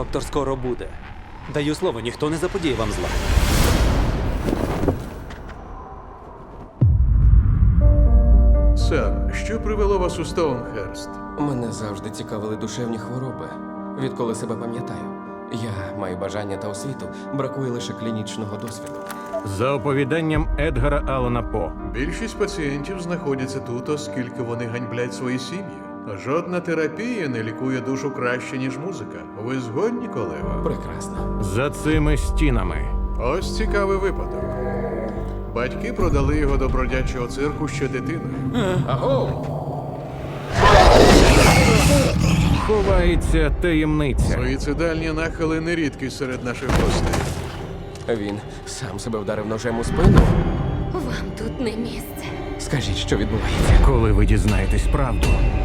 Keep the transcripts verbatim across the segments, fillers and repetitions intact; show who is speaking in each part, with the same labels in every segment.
Speaker 1: доктор скоро буде. Даю слово, ніхто не заподіє вам зла.
Speaker 2: Сер, що привело вас у Стоунхерст?
Speaker 3: Мене завжди цікавили душевні хвороби. Відколи себе пам'ятаю. Я маю бажання та освіту, бракує лише клінічного досвіду.
Speaker 4: За оповіданням Едгара Аллана По.
Speaker 2: Більшість пацієнтів знаходяться тут, оскільки вони ганьблять свої сім'ї. Жодна терапія не лікує душу краще, ніж музика. Ви згодні, колего?
Speaker 3: Прекрасно.
Speaker 4: За цими стінами.
Speaker 2: Ось цікавий випадок. Батьки продали його до бродячого цирку ще дитиною.
Speaker 3: Аго!
Speaker 4: Ховається таємниця.
Speaker 2: Суїцидальні нахили не рідкі серед наших гостей.
Speaker 3: Він сам себе вдарив ножем у спину.
Speaker 5: Вам тут не місце.
Speaker 3: Скажіть, що відбувається?
Speaker 4: Коли ви дізнаєтесь правду,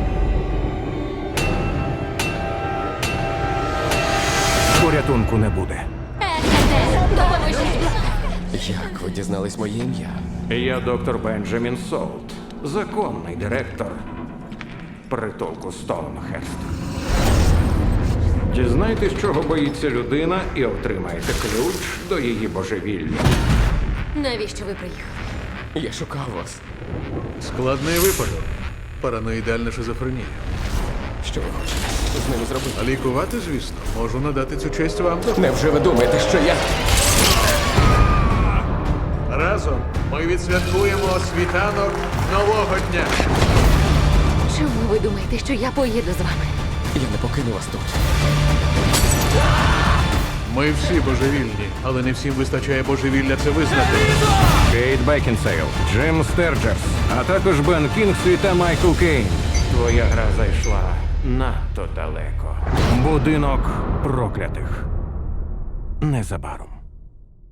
Speaker 4: порятунку не буде.
Speaker 5: Егете, допоможіть!
Speaker 3: Як ви дізнались моє ім'я?
Speaker 4: Я доктор Бенджамін Солт, законний директор притулку Стоунхерст. Дізнайтесь, чого боїться людина, і отримаєте ключ до її божевілля.
Speaker 5: Навіщо ви приїхали?
Speaker 3: Я шукав вас.
Speaker 2: Складний випадок. Параноїдальна шизофренія.
Speaker 3: Що ви хочете з ними зробити?
Speaker 2: А лікувати, звісно, можу надати цю честь вам.
Speaker 3: Невже ви думаєте, що я...
Speaker 2: Разом ми відсвяткуємо світанок нового дня.
Speaker 5: Чому ви думаєте, що я поїду з вами?
Speaker 3: Я не покину вас тут.
Speaker 2: Ми всі божевільні, але не всім вистачає божевілля це визнати.
Speaker 4: Кейт Бекінсейл, Джим Стерджерс, а також Бен Кінгсві та Майкл Кейн. Твоя гра зайшла надто далеко. Будинок проклятих. Незабаром.